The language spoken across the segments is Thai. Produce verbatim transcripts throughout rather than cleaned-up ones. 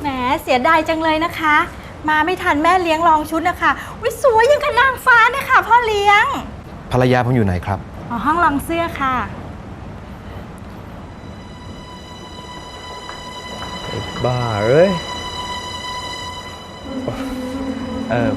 แหมเสียดายจังเลยนะคะ มาไม่ทันแม่เลี้ยงลองชุดนะคะวิสวยยังกับนางฟ้านะคะพ่อเลี้ยงภรรยาผมอยู่ไหนครับอ๋อห้องลองเสื้อค่ะบ้าเอ้ยเออ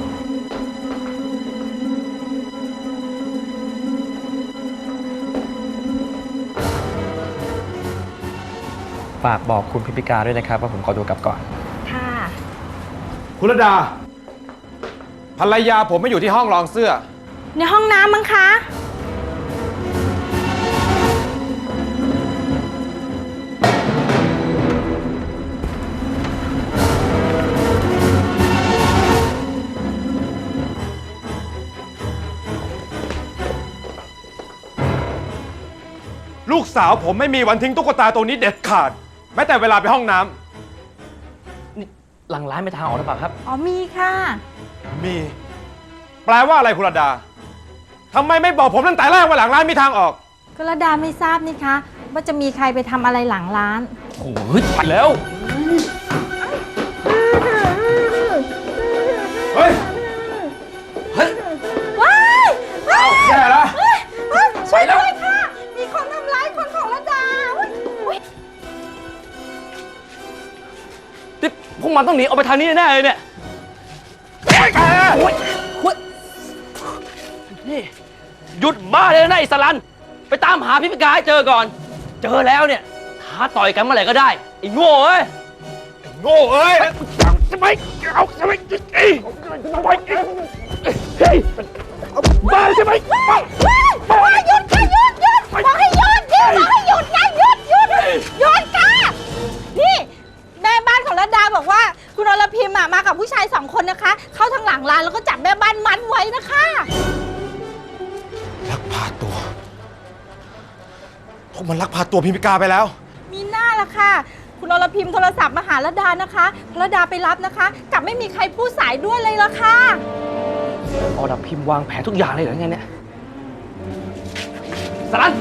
ฝากบอกคุณพิพิการด้วยนะครับว่าผมขอตัวกลับก่อนค่ะคุณระดาภรรยาผมไม่อยู่ที่ห้องรองเสื้อในห้องน้ำมั้งคะลูกสาวผมไม่มีวันทิ้งตุ๊กตาตัวนี้เด็ดขาดแม้แต่เวลาไปห้องน้ำนี่หลังร้านไปทางออกหรือเปล่าครับอ๋อมีค่ะมีแปลว่าอะไรคุณระดาทำไมไม่บอกผมตั้งแต่แรกว่าหลังร้านมีทางออกคุณระดาไม่ทราบนี่คะว่าจะมีใครไปทำอะไรหลังร้านโอ้ยไปแล้วเฮ้ยเฮ้ยว้ายว้ายแย่แล้วช่วยด้วยค่ะมีคนทำร้ายคนของระดาที่พวกมันต้องหนีออกไปทางนี้แน่เลยเนี่ยโอ้ยแกโอ้ยนี่หยุดบ้าเลยนะไอ้สลันไปตามหาพิพิการให้เจอก่อนเจอแล้วเนี่ยท้าต่อยกันเมื่อไหร่ก็ได้ไอ้โง่เอ้ยไอ้โง่เอ้ยทำไมเอาทำไมไอ้ทำไมเฮ้ยบ้าใช่ไหมบ้าบ้าหยุดค่ะหยุดหยุดบอกให้หยุดหยุดบอกให้หยุดนะหยุดหยุดหยุดค่ะนี่แม่บ้านของระดาบอกว่าคุณอรพิมพ์มากับผู้ชายสองคนนะคะเข้าทางหลังร้านแล้วก็จับแม่บ้านมัดไว้นะคะลักพาตัวพวกมันลักพาตัวพิมพิกาไปแล้วมีหน้าละค่ะคุณอรพิมพ์โทรศัพท์มาหาระดานะคะระดาไปรับนะคะกลับไม่มีใครพูดสายด้วยเลยละค่ะอรพิมพ์วางแผนทุกอย่างเลยเหรอไงเนี่ยสลัน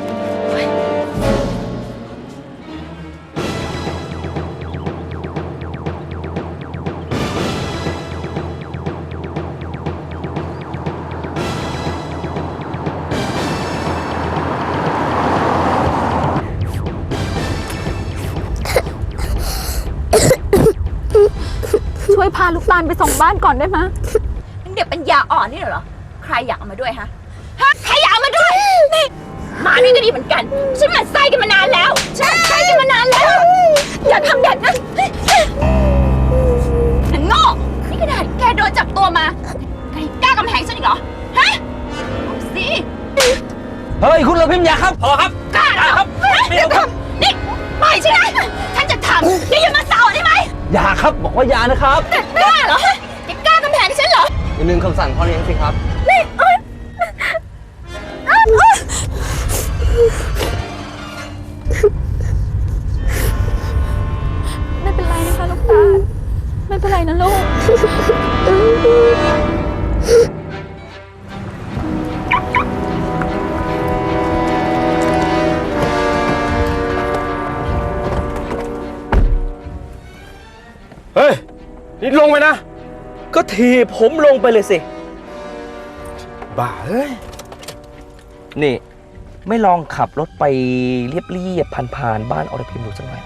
ช่วยพาลูกตาลไปส่งบ้านก่อนได้ไหมเด็กปัญญาอ่อนนี่เหรอใครอยากเอามาด้วยฮะฮะใครอยากเอามาด้วยนี่มานี่ก็ดีเหมือนกันฉันหมั่นไส้กันมานานแล้วฉันหมั่นไส้กันมานานแล้วอย่าทำเด็กนะนั่นโง่นี่ขนาดแกโดนจับตัวมาแกกล้ากำแพงฉันอีกเหรอฮะเอาสิเฮ้ยคุณอรพิมพ์อย่าครับพอครับกล้าครับไม่เอาครับนี่ปล่อยฉันนะฉันจะทำนี่อย่ามาสาวได้ไหมอย่าครับบอกว่าอย่านะครับกล้าเหรอแกกล้ากำแพงฉันเหรออย่าลืมคำสั่งพ่อเลี้ยงสิครับนี่ไม่เป็นไรนะคะลูกตาไม่เป็นไรนะลูกเฮ้ยนี่ลงไปนะก็ทีผมลงไปเลยสิบ้าเฮ้ยนี่ไม่ลองขับรถไปเรียบๆผ่านๆบ้านอรพิมดูสักหน่อย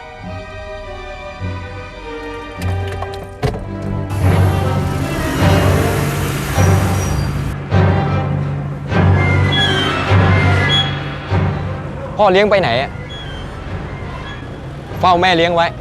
พ่อเลี้ยงไปไหนอะเฝ้าแม่เลี้ยงไว้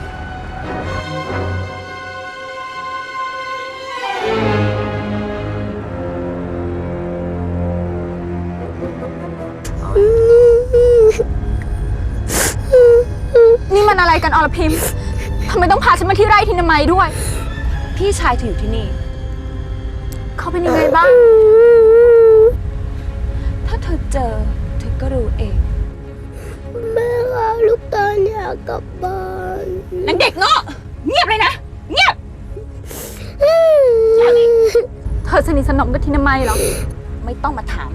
นี่มันอะไรกันอรพิมพ์ทำไมต้องพาฉันมาที่ไร่ทินามัยด้วยพี่ชายเธออยู่ที่นี่เขาเป็นยังไงบ้างถ้าเธอเจอเธอก็รู้เองแม่ค่ะลูกตาลอยากกลับบ้านนางเด็กเงาะเงียบเลยนะเงียบเธอสนิทสนมกับทินามัยเหรอไม่ต้องมาถาม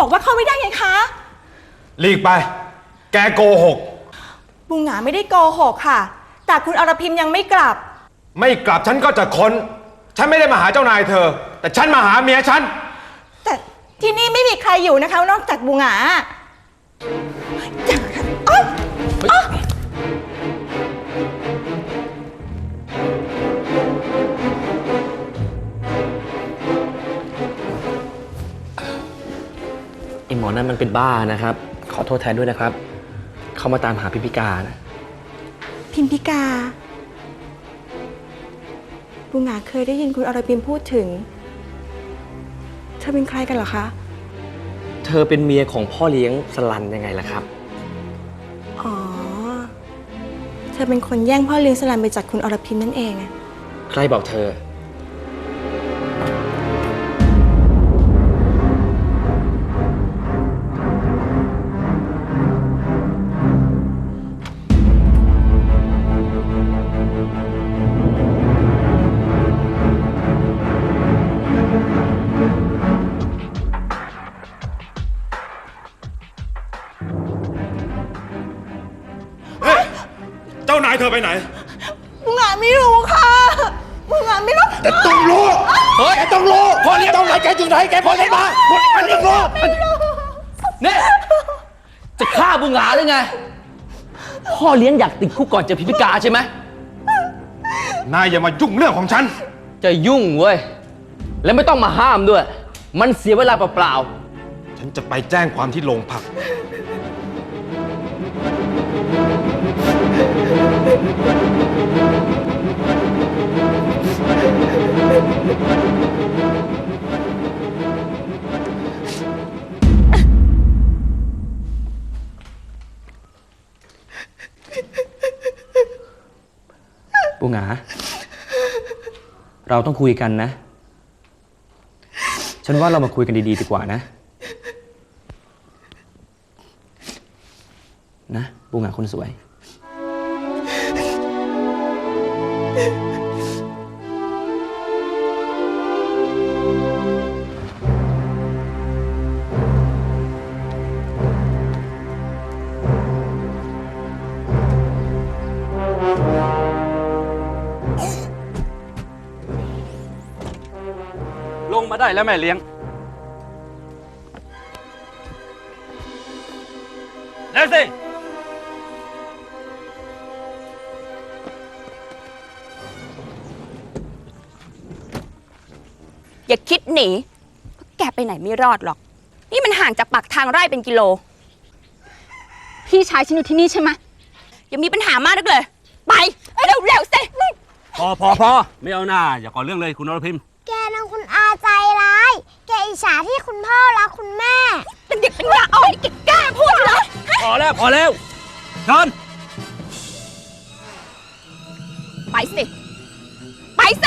บอกว่าเข้าไม่ได้ไงคะหลีกไป แกโกหกบุงหงาไม่ได้โกหกค่ะ แต่คุณอรพิมยังไม่กลับไม่กลับฉันก็จะค้น ฉันไม่ได้มาหาเจ้านายเธอ แต่ฉันมาหาเมียฉันแต่ที่นี่ไม่มีใครอยู่นะคะนอกจากบุงหงาอ๊ะอ๊ะไอหมอนั่นมันเป็นบ้านะครับ ขอโทษแทนด้วยนะครับ เขามาตามหาพิพิการนะพิมพิกา บุงหงาเคยได้ยินคุณอรพิมพูดถึง เธอเป็นใครกันเหรอคะเธอเป็นเมียของพ่อเลี้ยงสลันยังไงล่ะครับอ๋อ เธอเป็นคนแย่งพ่อเลี้ยงสลันไปจากคุณอรพิมนั่นเองอะใครบอกเธอเฮ้ย เจ้านายเธอไปไหนบุงหงาไม่รู้ค่ะ บุงหงาไม่รู้แต่ต้องรู้เฮ้ยแกต้องรู้พ่อเลี้ยงเจ้านายแกอยู่ไหน แกพอฉันมามันต้องรู้เนี่ยจะฆ่าบุงหงาหรือไง พ่อเลี้ยงอยากติดคุกก่อนเจอพิพิการใช่ไหมนายอย่ามายุ่งเรื่องของฉันจะยุ่งเว้ย และไม่ต้องมาห้ามด้วย มันเสียเวลาเปล่าฉันจะไปแจ้งความที่โรงพักๆบุงหงา เราต้องคุยกันนะ ฉันว่าเรามาคุยกันดีๆดีกว่านะ นะบุงหงาคนสวยลงมาได้แล้วแม่เลี้ยง แล้วสิอย่าคิดหนีแกไปไหนไม่รอดหรอก นี่มันห่างจากปากทางไร่เป็นกิโล พี่ชายฉันอยู่ที่นี่ใช่ไหมอย่ามีปัญหามากนักเลย ไป เร็วๆสิพอพอพอไม่เอาหน้า อย่าก่อเรื่องเลยคุณนรพิมแกนางคุณอาใจร้าย แกอิจฉาที่คุณพ่อรักคุณแม่เป็นเด็กเป็นยาอ่อนนี่แกกล้าพูดเหรอพอแล้วพอแล้วเชิญไปสิ ไปสิ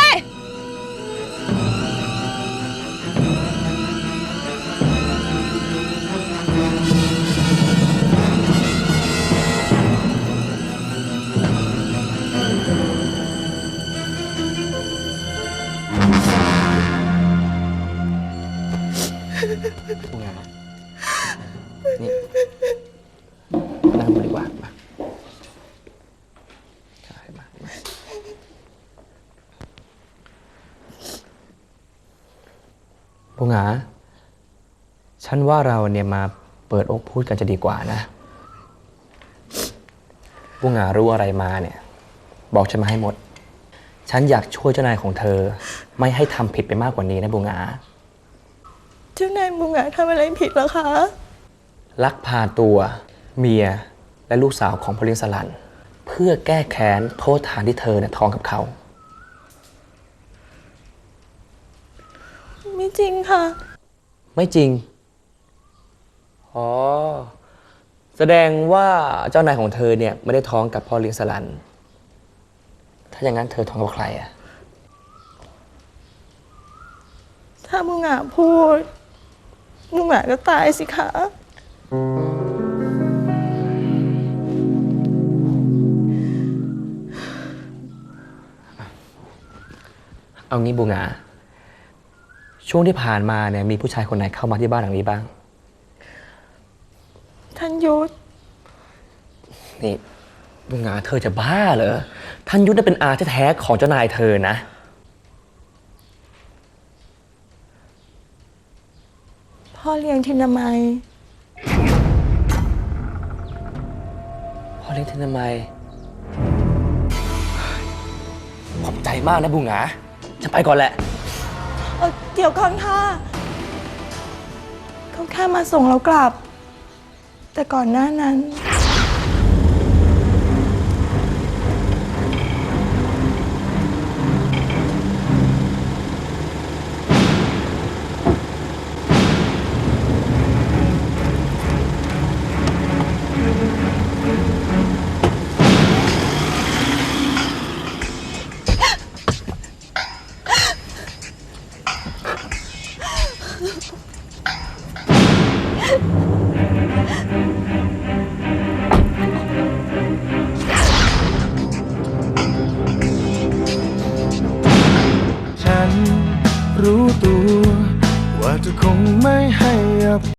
บุงหงา นี่นั่งดูดีกว่ามาใช่มามาบุงหงา ฉันว่าเราเนี่ยมาเปิดอกพูดกันจะดีกว่านะ บุงหงารู้อะไรมาเนี่ย บอกฉันมาให้หมด ฉันอยากช่วยเจ้านายของเธอ ไม่ให้ทำผิดไปมากกว่านี้นะบุงหงาเจ้านายบุงหงาทำอะไรผิดเหรอคะลักพาตัวเมียและลูกสาวของพอเลี้ยงสลัน เพื่อแก้แค้นโทษฐานที่เธอเนี่ยท้องกับเขาไม่จริงค่ะไม่จริง อ๋อ แสดงว่าเจ้านายของเธอเนี่ยไม่ได้ท้องกับพ่อเลี้ยงสลัน ถ้าอย่างนั้นเธอท้องกับใครอะถ้าบุงหงาพูด บุงหงาก็ตายสิคะเอางี้บุงหงา ช่วงที่ผ่านมาเนี่ยมีผู้ชายคนไหนเข้ามาที่บ้านหลังนี้บ้างท่านยุทธนี่บุงงาเธอจะบ้าเหรอ ท่านยุทธน่ะเป็นอาแท้ๆของเจ้านายเธอนะพ่อเลี้ยงทินามัยพ่อเลี้ยงทินามัยขอบใจมากนะบุงงาฉันไปก่อนแหละเอ่อเดี๋ยวก่อนค่ะเขาแค่มาส่งเรากลับ แต่ก่อนหน้านั้นฉันรู้ตัวว่าเธอคงไม่ให้อภัย